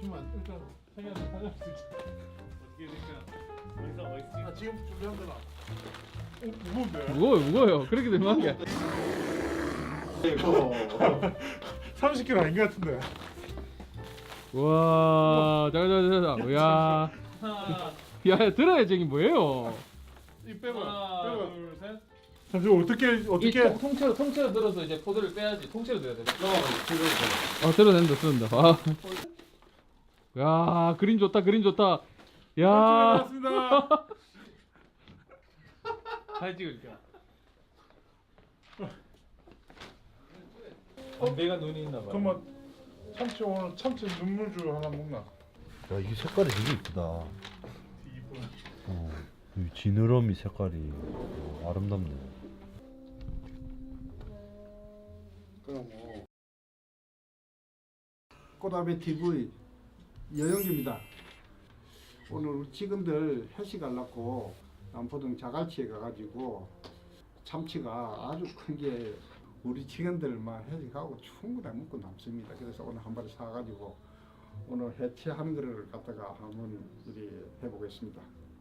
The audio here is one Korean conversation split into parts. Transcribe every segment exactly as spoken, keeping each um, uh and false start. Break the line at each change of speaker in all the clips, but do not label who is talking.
잠시만 일단 생각을 하자. 어떻게 될까? 어디서 어디서? 아 지금 준비한 거다. 오 무거운데?
무거워요 무거워요. 그렇게 되면 게
삼십 킬로그램 아닌 것 같은데.
와 자자자자 야 야 들어야 저기 뭐예요?
이 빼봐.
하나,
빼봐.
둘, 셋.
잠시만 어떻게
이
어떻게?
통, 통째로 통째로 들어서 이제 포도를 빼야지. 통째로 들어야 돼. 넘어가.
아 들어낸다 들어낸다. 아. 야 그림 좋다 그림 좋다. 야
나왔습니다.
사진 찍을게요. 담배가 눈이 있나 봐요.
그러면 참치 오늘 참치 눈물주 하나 먹나?
야 이게 색깔이 되게 이쁘다.
이분.
어, 이 지느러미 색깔이 어, 아름답네.
그럼 뭐 꽃아베 티비 여영기입니다. 오늘 우리 직원들 회식하려고 남포동 자갈치에 가가지고 참치가 아주 큰 게 우리 직원들만 회식하고 충분히 먹고 남습니다. 그래서 오늘 한 마리 사가지고 오늘 해체하는 거를 갖다가 한번 우리 해보겠습니다.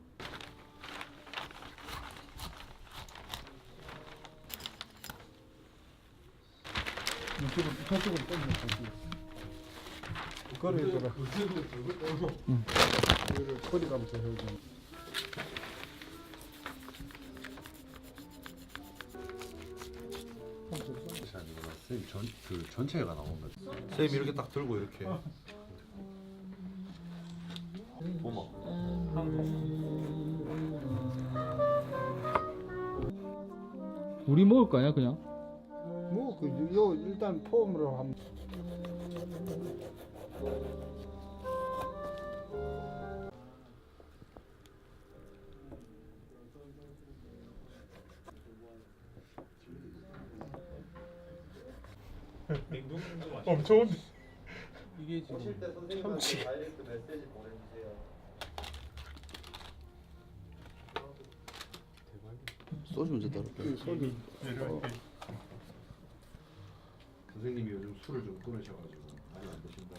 이쪽으로 이쪽으로 땡겨. 거리에다가 이거를 거리 가면서 해오죠.
선생님 전, 그 전체가 나온 거지. 선생님 이렇게 딱 들고 이렇게. 보마.
우리 먹을 거 아니야 그냥?
뭐그요 일단 폼으로 한번.
냉동도 맛있어.
엄청 온데.
이게 지금
참치.
소주 문제 따로.
소주.
선생님이 요즘 술을 좀 끊으셔가지고 많이 안 드신다.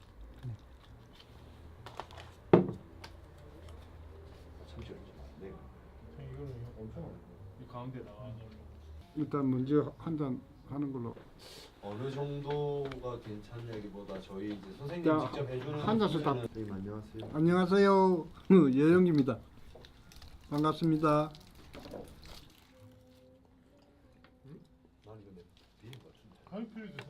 참치 얼지 마. 네.
이거는 엄청.
이 가운데 나와.
일단 먼저 한 잔 하는 걸로.
어느 정도가 괜찮냐기보다 저희 이제 선생님
자,
직접 해주는
한 잔씩 다-
선생님 안녕하세요.
안녕하세요. 여영기입니다. 반갑습니다.
많이 근데 비린 것 같은데.
아니 필요지.